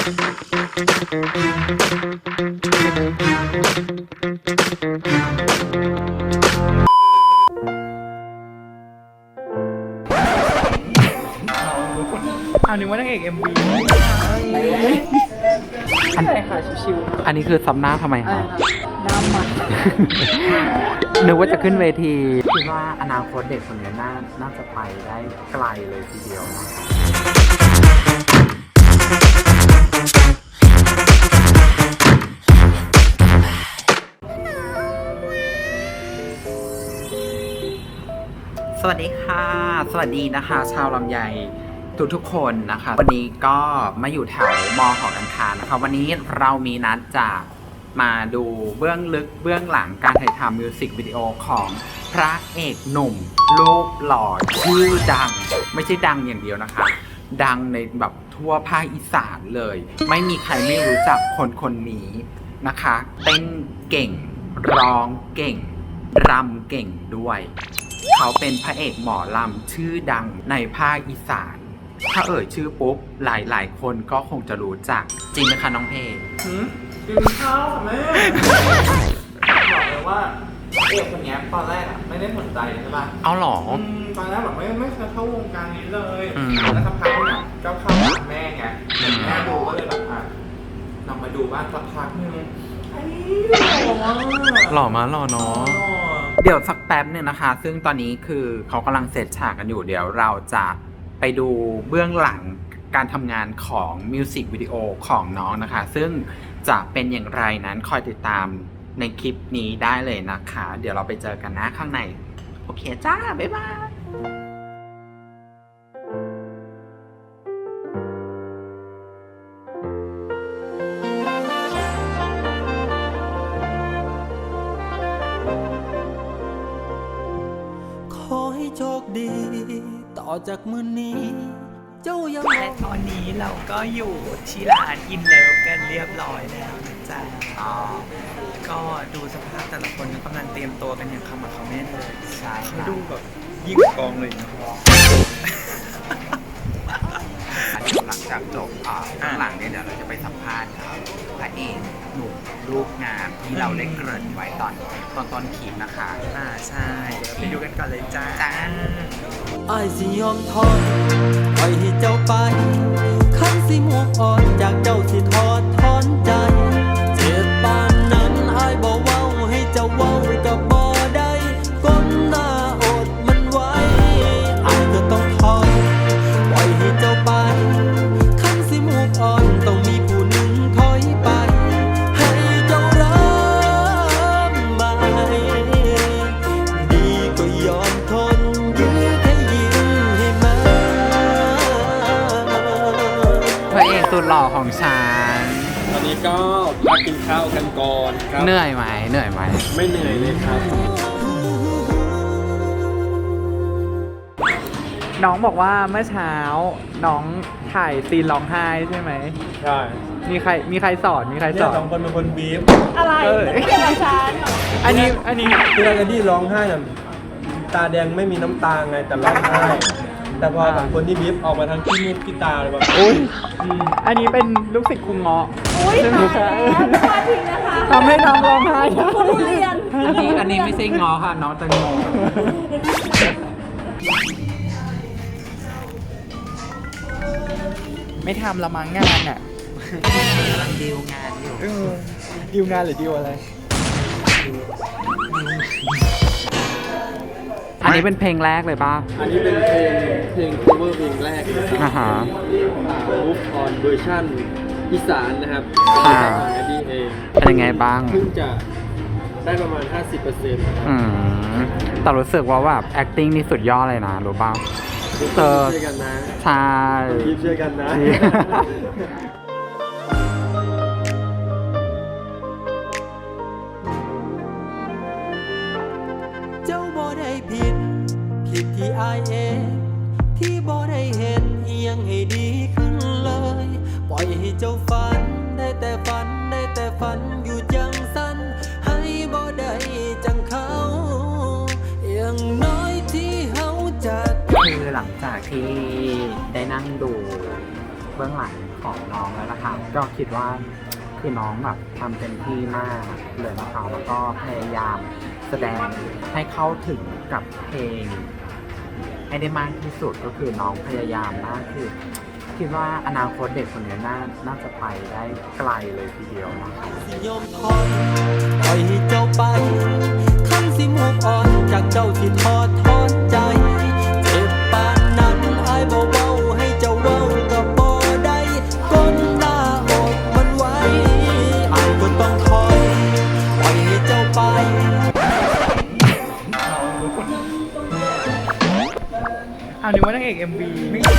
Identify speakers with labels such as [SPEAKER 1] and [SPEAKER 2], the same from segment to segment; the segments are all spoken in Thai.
[SPEAKER 1] เอานึกว่านางเอก MV อันไหนค่ะชิวๆอันนี้คือซับหน้าทำไมคะน้ำมันนึกว่าจะขึ้นเวทีคิดว่าอนาคตเด็กคนนี้น่าจะไปได้ไกลเลยทีเดียวนะสวัสดีค่ะสวัสดีนะคะชาวลำไยทุกคนนะคะวันนี้ก็มาอยู่แถวมอหอการค้านะคะวันนี้เรามีนัดจะมาดูเบื้องลึกเบื้องหลังการถ่ายทำมิวสิกวิดีโอของพระเอกหนุ่มรูปหล่อชื่อดังไม่ใช่ดังอย่างเดียวนะคะดังในแบบทั่วภาคอีสานเลยไม่มีใครไม่รู้จักคนนี้นะคะเต้นเก่งร้องเก่งรำเก่งด้วยเขาเป็นพระเอกหมอลำชื่อดังในภาคอีสานถ้าเอ่ยชื่อปุ๊บหลายคนก็คงจะรู้จักจริงไหมคะน้องเพย์
[SPEAKER 2] กินข้าวค่ะแม่บอกเลยว่าเอกคนนี้ตอนแรกไม่ได้สนใจใช่ป่ะ
[SPEAKER 1] เอาหรอ
[SPEAKER 2] ตอนแรกแบบไม่เคยเข้าวงการนี้เลยแล้วสักพักเนี่ยก็เข้าหาแม่ไงแม่ดูก็เลยแบบลองมาดูบ้างสักพักนึง
[SPEAKER 1] หล่อมาหล่อเนาะเดี๋ยวสักแป๊บนึงนะคะซึ่งตอนนี้คือเขากำลังเซตฉากกันอยู่เดี๋ยวเราจะไปดูเบื้องหลังการทำงานของมิวสิกวิดีโอของน้องนะคะซึ่งจะเป็นอย่างไรนั้นคอยติดตามในคลิปนี้ได้เลยนะคะเดี๋ยวเราไปเจอกันนะข้างในโอเคจ้าบ๊ายบาย
[SPEAKER 3] ขอให้โชคดีต่อจากมื้อนี้เจ้ายังและตอนนี้เราก็อยู่ที่ร้านอินเลิฟกันเรียบร้อยแล้วนะจ๊ะก็ดูสภาพแต่ละคนกำลังเตรียมตัวกันอย่างขมักเขม้นเลยใช่เขาดูแบบยิ่งกองเลยนะ
[SPEAKER 1] หลังจากจบข้างหลังเนี่ยเดี๋ยวเราจะไปสัมภาษณ์พระเอกหนุ่มรูปงามที่เราได้เกริ่นไว้ตอนต้นคลิปนะคะ
[SPEAKER 3] ใช่ไปดูกันก่อนเลยจ้า
[SPEAKER 1] อ้
[SPEAKER 3] ายสิยอมทนปล่อยให้เจ้าไปคันสิมูฟออนจากเจ้าสิทอดถอนใจเจ็บปานนั้นอ้ายบ่เว้าให้เจ้าเว้ากับบ่ได้ก้มหน้าอดมันไว้อ้ายก็ต้องทนปล่อยให้เจ้าไปคันสิมูฟออนต้องมีผู้หนึ่งถอยไปให้เจ้ารับไปดีก็ยอมทน
[SPEAKER 1] พระเอกสุดหล่อของฉัน
[SPEAKER 2] ตอนนี้ก็มากินข้าวกันก่อนครับ
[SPEAKER 1] เหนื่อยไหม
[SPEAKER 2] ไม่เหนื่อยเลยครับ
[SPEAKER 4] น้องบอกว่าเมื่อเช้าน้องถ่ายซีนร้องไห้ใช่ไหม
[SPEAKER 2] ใช่
[SPEAKER 4] มีใครสอน
[SPEAKER 2] สองคนเป็นคนบีฟ
[SPEAKER 5] อะไรไม่เป็นอาจารย์
[SPEAKER 4] อันนี้
[SPEAKER 2] คือเราจะที่ร้องไห้น่ะตาแดงไม่มีน้ำตาไงแต่ร้องไห้แต่พอสองคนที่บีฟออกมาทางที่นี่ที่ตาเลยแบบ
[SPEAKER 4] อุ้ยอันนี้เป็นลูกศิษย์ครูเงาะ
[SPEAKER 5] อุ้ยตายแล้วพลาดทิ้งนะคะ
[SPEAKER 4] ทำให้น้องร้องไห้
[SPEAKER 5] ผู้เรียน
[SPEAKER 1] อันนี้ไม่ใช่งอค่ะน้องแตงโม
[SPEAKER 4] ไม่ทำละมั้งงานอ่ะ
[SPEAKER 1] กำลังดีลงานอยู่
[SPEAKER 4] ดีลงานหรือดีลอะไรอันนี้เป็นเพลงแรกเลยป่ะ
[SPEAKER 2] อันนี้เป็นเพลง cover เพลงแรก
[SPEAKER 4] นะครับ
[SPEAKER 2] Move on เวอร์ชันอีสานนะครับของแอดดี้เอง
[SPEAKER 4] เป็นยังไงบ้าง
[SPEAKER 2] เพิ่งจะได้ประมาณ 50%
[SPEAKER 4] แต่รู้สึกว่าแบบ acting นี่สุดยอดเลยนะรู้ป่ะ
[SPEAKER 2] ช่วยกันนะ
[SPEAKER 4] ใช่
[SPEAKER 2] ช่วยกันนะ
[SPEAKER 3] เจ้าบ่ได้ผิดที่อายเองที่บ่ได้เห็นอีหยังให้ดีขึ้นเลยปล่อยให้เจ้าฝันได้แต่ฝันอยู่จังสั้นให้บ่ได้จังเขาอย่างน้อยที่เฮาจะ
[SPEAKER 1] คือหลังจากที่ได้นั่งดูเบื้องหลังของน้องแล้วนะคะก็คิดว่าคือน้องแบบทำเต็มที่มากเลยนะคะแล้วก็พยายามแสดงให้เข้าถึงกับเพลงให้ได้มากที่สุดก็คือน้องพยายามมากคือคิดว่าอนาคตเด็กคนนี้น่าจะไปได้ไกลเลยทีเดียวนะคะ
[SPEAKER 3] สิยอมทนปล่อยให้เจ้าไปคันสิมุกอ่อนจากเจ้าสิทอดถอนใจเจ็บปานนั้นอายบ่เว้าให้เจ้าเว้าก็บ่ได้ก้นหน้าอกมันไว้อายก็ต้องถอยปล่อยให้เจ้าไป
[SPEAKER 4] เอานึกว่านางเอก MV ไม่ใช่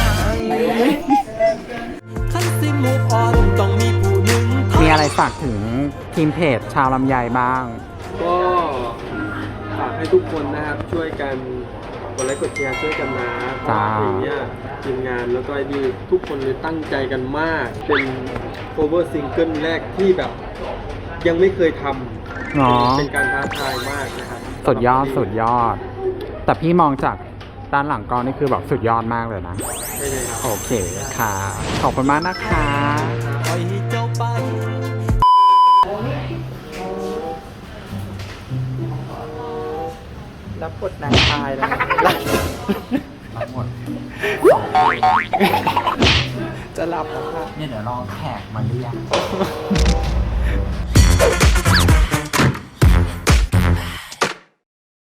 [SPEAKER 3] คันสิมุกอ่อนต้องมีผู้หนึ่ง
[SPEAKER 1] มีอะไรฝากถึงทีมเพจชาวลำไยบ้าง
[SPEAKER 6] ก็ฝากให้ทุกคนนะครับช่วยกันกดไลค์กดแชร์ช่วยกันนะเพราะว่าเพลงเนี้ยทีมงานแล้วก็ไอ้ดีทุกคนเลยตั้งใจกันมาก เป็น cover ซิงเกิลแรกที่แบบยังไม่เคยท
[SPEAKER 1] เนาะ
[SPEAKER 6] ำเป็นการท้าทายมากนะครับ
[SPEAKER 1] สุดยอดสุดยอด แต่พี่มองจากด้านหลังกล้องนี่คือแบบสุดยอดมากเลยนะ
[SPEAKER 6] ใช่เลยครับ
[SPEAKER 1] โอเคค่ะ ขอบคุณมากนะคะ
[SPEAKER 3] ปล่อยให้เจ้าไป
[SPEAKER 4] รับบทนางตายแล้ว
[SPEAKER 1] ทั้งหมด
[SPEAKER 4] จะหลับแล้วค่ะ
[SPEAKER 1] เนี่ยเดี๋ยวรอแขกมาเรียก